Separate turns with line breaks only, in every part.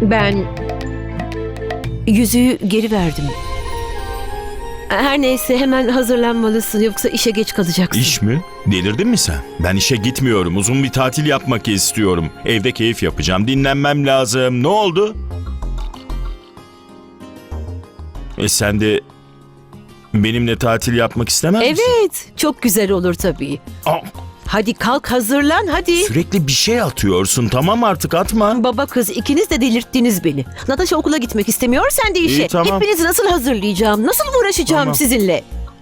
Ben yüzüğü geri verdim. Her neyse hemen hazırlanmalısın yoksa işe geç kalacaksın.
İş mi? Delirdin mi sen? Ben işe gitmiyorum. Uzun bir tatil yapmak istiyorum. Evde keyif yapacağım. Dinlenmem lazım. Ne oldu? Sen de benimle tatil yapmak istemez misin?
Evet, çok güzel olur tabii.
Aa,
Hadi kalk hazırlan hadi.
sürekli bir şey atıyorsun. Tamam artık atma.
Baba kız ikiniz de delirttiniz beni. Natasha okula gitmek istemiyor, sen de işe.
İyi, tamam.
Hepinizi nasıl hazırlayacağım, nasıl uğraşacağım
Tamam.
sizinle?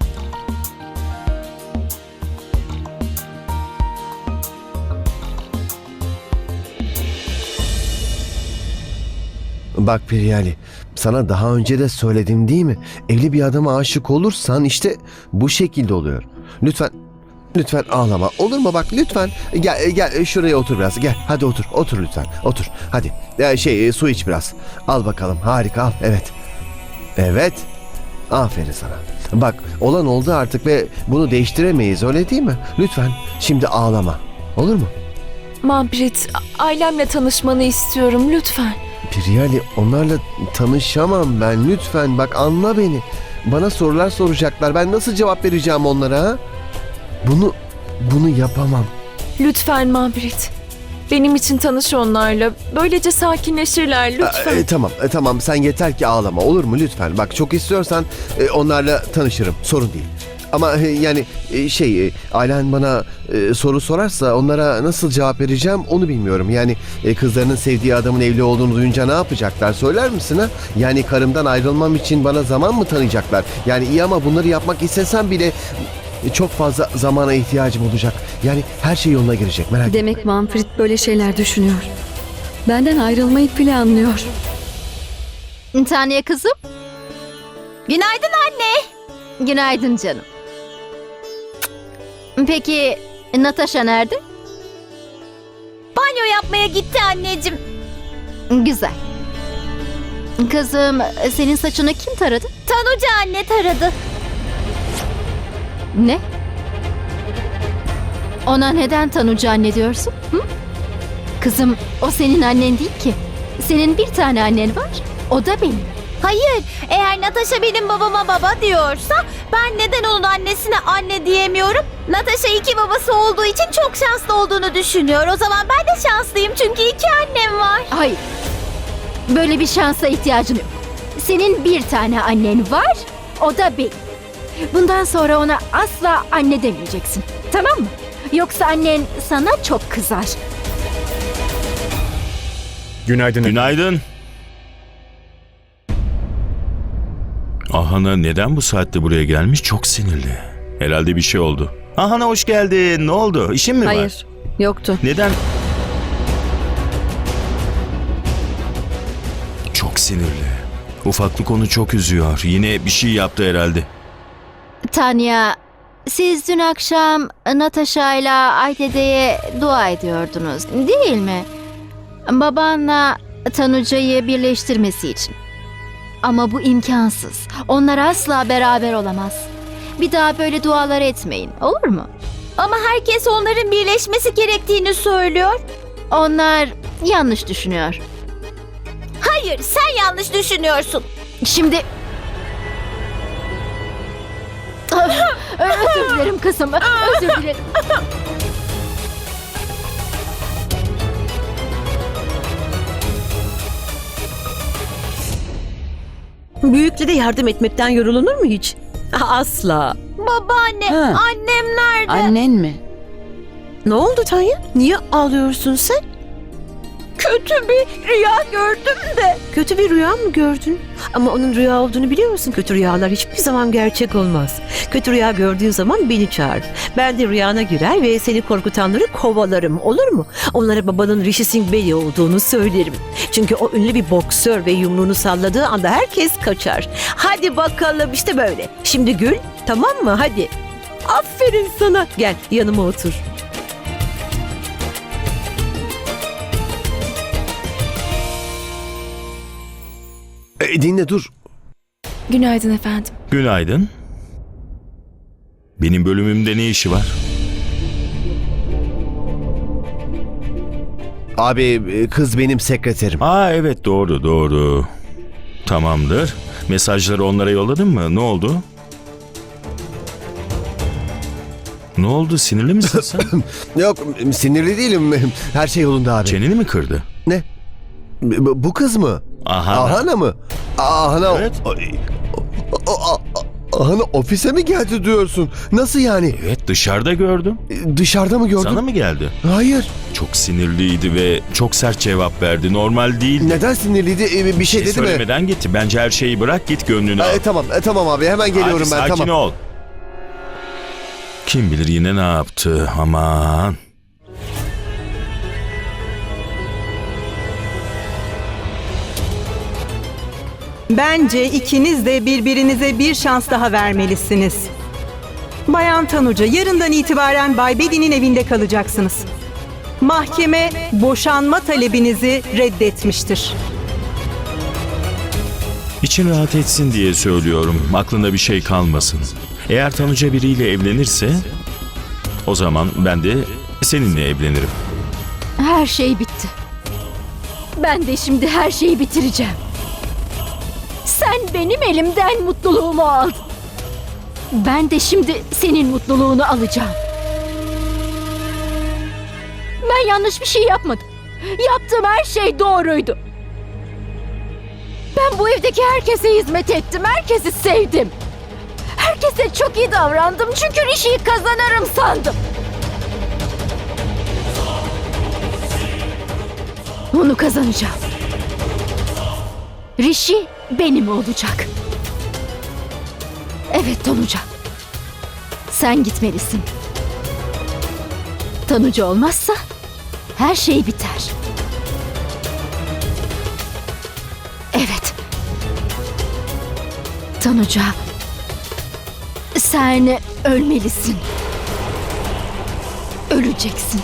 Bak Priyali, sana daha önce de söyledim değil mi? Evli bir adama aşık olursan işte bu şekilde oluyor. Lütfen ağlama. Olur mu bak lütfen. Gel şuraya otur biraz. Gel hadi otur lütfen. Otur hadi. Su iç biraz. Al bakalım harika al. Evet. Aferin sana. Bak olan oldu artık ve bunu değiştiremeyiz öyle değil mi? Lütfen şimdi ağlama. Olur mu?
Manpreet, ailemle tanışmanı istiyorum lütfen.
Priyali onlarla tanışamam ben. Lütfen bak anla beni. Bana sorular soracaklar. Ben nasıl cevap vereceğim onlara ha? Bunu yapamam.
Lütfen Manpreet. Benim için tanış onlarla. Böylece sakinleşirler lütfen.
Tamam sen yeter ki ağlama olur mu lütfen. Bak çok istiyorsan onlarla tanışırım. Sorun değil. Ama ailen bana soru sorarsa onlara nasıl cevap vereceğim onu bilmiyorum. Yani kızlarının sevdiği adamın evli olduğunu duyunca ne yapacaklar söyler misin ha? Yani karımdan ayrılmam için bana zaman mı tanıyacaklar? Yani iyi ama bunları yapmak istesem bile çok fazla zamana ihtiyacım olacak. Yani her şey yoluna girecek merak etme.
Demek Manfred böyle şeyler düşünüyor. Benden ayrılmayı planlıyor.
Tanya kızım. Günaydın anne. Günaydın canım. Peki Natasha nerede? Banyo yapmaya gitti anneciğim. Güzel. Kızım senin saçını kim taradı? Tanuca anne taradı. Ne? Ona neden Tanuca anne diyorsun? Hı? Kızım o senin annen değil ki. Senin bir tane annen var. O da benim.
Hayır, eğer Natasha benim babama baba diyorsa ben neden onun annesine anne diyemiyorum? Natasha iki babası olduğu için çok şanslı olduğunu düşünüyor. O zaman ben de şanslıyım çünkü iki annem var.
Hayır. Böyle bir şansa ihtiyacın yok. Senin bir tane annen var. O da benim. Bundan sonra ona asla anne demeyeceksin. Tamam mı? Yoksa annen sana çok kızar.
Günaydın.
Günaydın. Ahana neden bu saatte buraya gelmiş? Çok sinirli. Herhalde bir şey oldu. Ahana hoş geldin. Ne oldu? İşin mi var?
Hayır, yoktu.
Neden? Çok sinirli. Ufaklık onu çok üzüyor. Yine bir şey yaptı herhalde.
Tanya, siz dün akşam Natasha ile Aydede'ye dua ediyordunuz, değil mi? Babanla Tanuca'yı birleştirmesi için. Ama bu imkansız. Onlar asla beraber olamaz. Bir daha böyle dualar etmeyin, olur mu?
Ama herkes onların birleşmesi gerektiğini söylüyor.
Onlar yanlış düşünüyor.
Hayır, sen yanlış düşünüyorsun.
Şimdi... Özür dilerim kızım, özür dilerim.
Büyüklere yardım etmekten yorulunur mu hiç? Asla.
Babaanne,
Ha.
annem nerede?
Annen mi?
Ne oldu Tanya? Niye ağlıyorsun sen?
Kötü bir rüya gördüm de.
Kötü bir rüya mı gördün? Ama onun rüya olduğunu biliyor musun? Kötü rüyalar hiçbir zaman gerçek olmaz. Kötü rüya gördüğün zaman beni çağır. Ben de rüyana girer ve seni korkutanları kovalarım. Olur mu? Onlara babanın Rishi Singh Bey olduğunu söylerim. Çünkü o ünlü bir boksör ve yumruğunu salladığı anda herkes kaçar. Hadi bakalım işte böyle. Şimdi gül, tamam mı? Hadi. Aferin sana. Gel yanıma otur.
Dinle dur.
Günaydın efendim.
Günaydın. Benim bölümümde ne işi var?
Abi kız benim sekreterim.
Aa evet, doğru doğru. Tamamdır. Mesajları onlara yolladın mı? Ne oldu? Ne oldu? Sinirli misin sen?
Yok sinirli değilim. Her şey yolunda abi.
Çeneni mi kırdı?
Ne? Bu kız mı?
Ahana.
Ahana mı? Ahana.
Evet.
Ahana ofise mi geldi diyorsun? Nasıl yani?
Evet, dışarıda gördüm.
Dışarıda mı gördün?
Sana mı geldi?
Hayır.
Çok sinirliydi ve çok sert cevap verdi. Normal değil.
Neden sinirliydi? Bir şey dedi mi?
Söylemeden gitti. Bence her şeyi bırak, git gönlünü al.
Tamam abi hemen geliyorum
Hadi,
ben.
sakin
Tamam.
ol. Kim bilir yine ne yaptı, aman.
Bence ikiniz de birbirinize bir şans daha vermelisiniz. Bayan Tanuca, yarından itibaren Bay Bedi'nin evinde kalacaksınız. Mahkeme boşanma talebinizi reddetmiştir.
İçin rahat etsin diye söylüyorum. Aklında bir şey kalmasın. Eğer Tanuca biriyle evlenirse o zaman ben de seninle evlenirim.
Her şey bitti. Ben de şimdi her şeyi bitireceğim. Sen benim elimden mutluluğumu aldın. Ben de şimdi senin mutluluğunu alacağım. Ben yanlış bir şey yapmadım. Yaptığım her şey doğruydu. Ben bu evdeki herkese hizmet ettim. Herkesi sevdim. Herkese çok iyi davrandım çünkü Rishi'yi kazanırım sandım. Onu kazanacağım. Rishi benim olacak. Evet Tanuca. Sen gitmelisin. Tanuca olmazsa her şey biter. Evet. Tanuca. Sen ölmelisin. Öleceksin.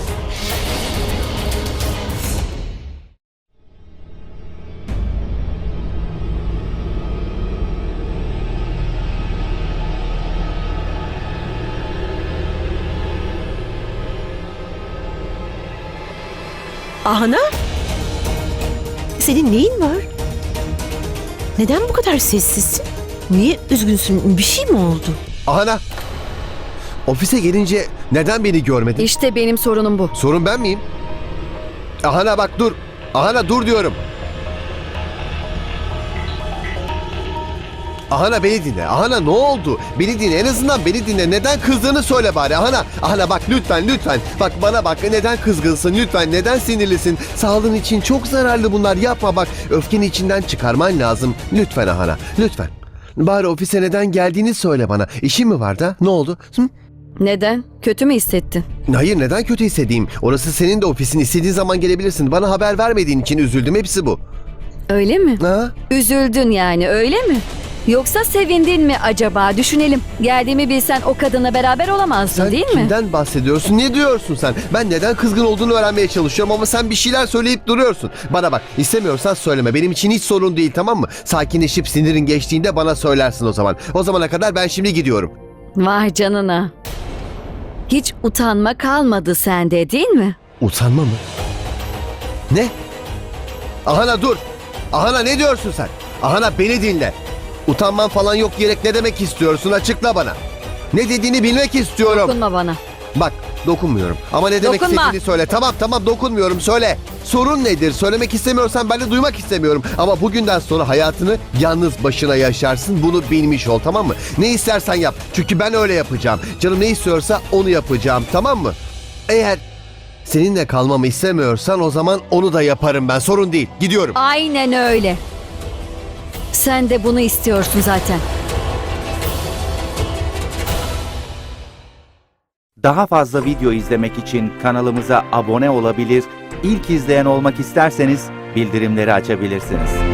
Ahana? Senin neyin var? Neden bu kadar sessizsin? Niye üzgünsün? Bir şey mi oldu?
Ahana. Ofise gelince neden beni görmedin?
İşte benim sorunum bu.
Sorun ben miyim? Ahana bak dur. Ahana dur diyorum. Ahana beni dinle. Ahana ne oldu? Beni dinle. En azından beni dinle. Neden kızdığını söyle bari. Ahana. Ahana bak lütfen lütfen. Bak bana bak. Neden kızgınsın? Lütfen. Neden sinirlisin? Sağlığın için çok zararlı bunlar. Yapma bak. Öfkeni içinden çıkarman lazım. Lütfen Ahana. Lütfen. Bari ofise neden geldiğini söyle bana. İşin mi var da? Ne oldu? Hı?
Neden? Kötü mü hissettin?
Hayır neden kötü hissedeyim? Orası senin de ofisin. İstediğin zaman gelebilirsin. Bana haber vermediğin için üzüldüm. Hepsi bu.
Öyle mi?
Ha?
Üzüldün yani öyle mi? Yoksa sevindin mi acaba? Düşünelim. Geldiğimi bilsen o kadınla beraber olamazdın
Sen
değil mi?
kimden bahsediyorsun? Ne diyorsun sen? Ben neden kızgın olduğunu öğrenmeye çalışıyorum ama sen bir şeyler söyleyip duruyorsun. Bana bak istemiyorsan söyleme. Benim için hiç sorun değil tamam mı? Sakinleşip sinirin geçtiğinde bana söylersin o zaman. O zamana kadar ben şimdi gidiyorum.
Vay canına. Hiç utanma kalmadı sende değil mi?
Utanma mı? Ne? Ahana dur. Ahana ne diyorsun sen? Ahana beni dinle. Utanman falan yok diyerek ne demek istiyorsun? Açıkla bana. Ne dediğini bilmek istiyorum.
Dokunma bana.
Bak dokunmuyorum. Ama ne demek
Dokunma.
istediğini söyle. Tamam dokunmuyorum söyle. Sorun nedir? Söylemek istemiyorsan ben de duymak istemiyorum. Ama bugünden sonra hayatını yalnız başına yaşarsın. Bunu bilmiş ol tamam mı? Ne istersen yap. Çünkü ben öyle yapacağım. Canım ne istiyorsa onu yapacağım tamam mı? Eğer seninle kalmamı istemiyorsan o zaman onu da yaparım ben. Sorun değil. Gidiyorum.
Aynen öyle. Sen de bunu istiyorsun zaten.
Daha fazla video izlemek için kanalımıza abone olabilir, ilk izleyen olmak isterseniz bildirimleri açabilirsiniz.